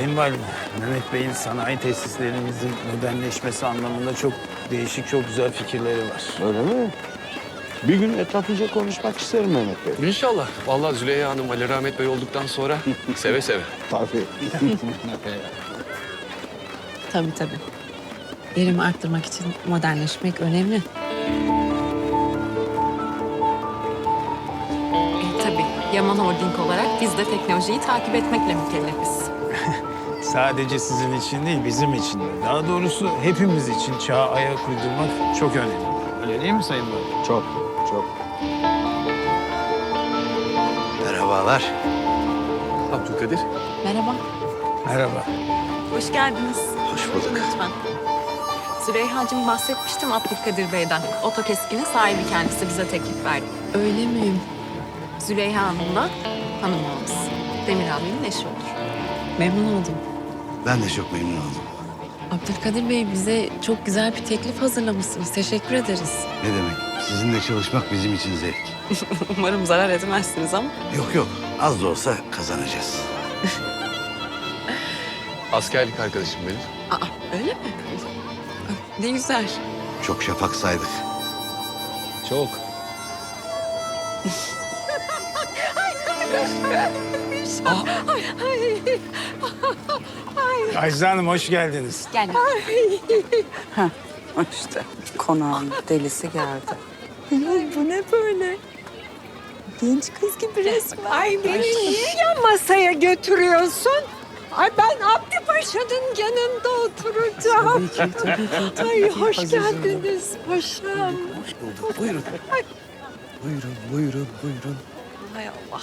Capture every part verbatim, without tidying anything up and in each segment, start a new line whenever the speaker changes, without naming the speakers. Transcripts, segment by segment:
Sayın Valim, Mehmet Bey'in sanayi tesislerimizin modernleşmesi anlamında çok değişik, çok güzel fikirleri var.
Öyle mi? Bir gün etraflıca konuşmak isterim Mehmet Bey.
İnşallah. Vallahi Züleyha Hanım, Ali Rahmet Bey olduktan sonra seve seve.
Tabii.
Tabii tabii. Verimi arttırmak için modernleşmek önemli.
E, tabii. Yaman Holding olarak biz de teknolojiyi takip etmekle mükellefiz.
Sadece sizin için değil, bizim için de. Daha doğrusu hepimiz için çağa ayak uydurmak çok önemli. Öyle değil mi Sayın Valim?
Çok, çok.
Merhabalar.
Abdülkadir.
Merhaba.
Merhaba.
Hoş geldiniz.
Hoş bulduk.
Lütfen. Züleyha'cığım bahsetmiştim Abdülkadir Bey'den. Otokeskinin sahibi kendisi bize teklif verdi.
Öyle miyim?
Züleyha Hanım da hanımımız. Demir abinin eşi olur.
Memnun oldum.
Ben de çok memnun oldum.
Abdülkadir Bey bize çok güzel bir teklif hazırlamışsınız. Teşekkür ederiz.
Ne demek? Sizinle çalışmak bizim için zevk.
Umarım zarar etmezsiniz ama.
Yok yok. Az da olsa kazanacağız.
Askerlik arkadaşım benim.
Aa, öyle mi? Ne güzel.
Çok şafak saydık.
Çok.
Ajda Hanım hoş geldiniz.
Gel.
İşte konağın delisi geldi. Ay, bu ne böyle? Genç kız gibi resmen.
Ay beni niye yan masaya götürüyorsun? Ay ben Abdi Paşa'nın yanında oturacağım.
Tabii ki, tabii ki. Tabii
Ay
ki.
hoş
Aziz
geldiniz paşam.
Hoş bulduk. Buyurun. Buyurun, buyurun, buyurun.
Hay Allah.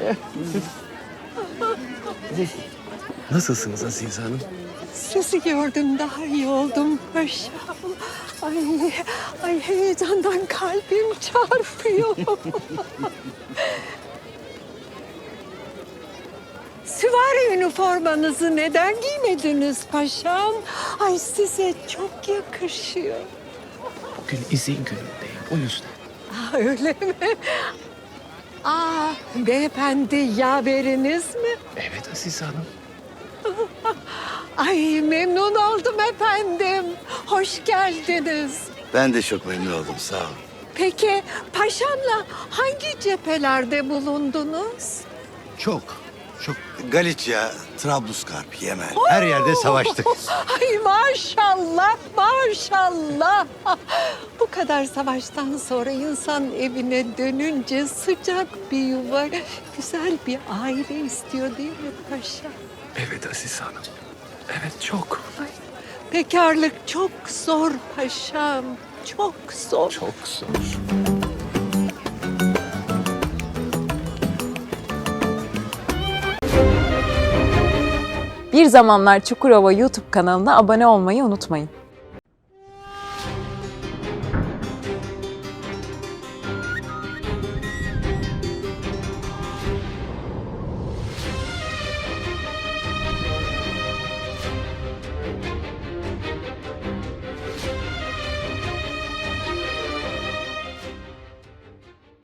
Nasılsınız Azize Hanım?
Sizi gördüm daha iyi oldum paşam. Ay, ay heyecandan kalbim çarpıyor. Süvari üniformanızı neden giymediniz paşam? Ay size çok yakışıyor.
Bugün izin günündeyim. O yüzden.
Aa, öyle mi? Aa, beyefendi yaveriniz mi?
Evet Azize Hanım.
Ay memnun oldum efendim. Hoş geldiniz.
Ben de çok memnun oldum. Sağ olun.
Peki paşamla hangi cephelerde bulundunuz?
Çok, çok. Galicia, Trablusgarp, Yemen. Her yerde savaştık.
Ay maşallah, maşallah. Bu kadar savaştan sonra insan evine dönünce sıcak bir yuva, güzel bir aile istiyor değil mi paşa?
Evet Azize Hanım. Evet çok.
Ay, bekarlık çok zor paşam, çok zor.
Çok zor.
Bir Zamanlar Çukurova YouTube kanalına abone olmayı unutmayın.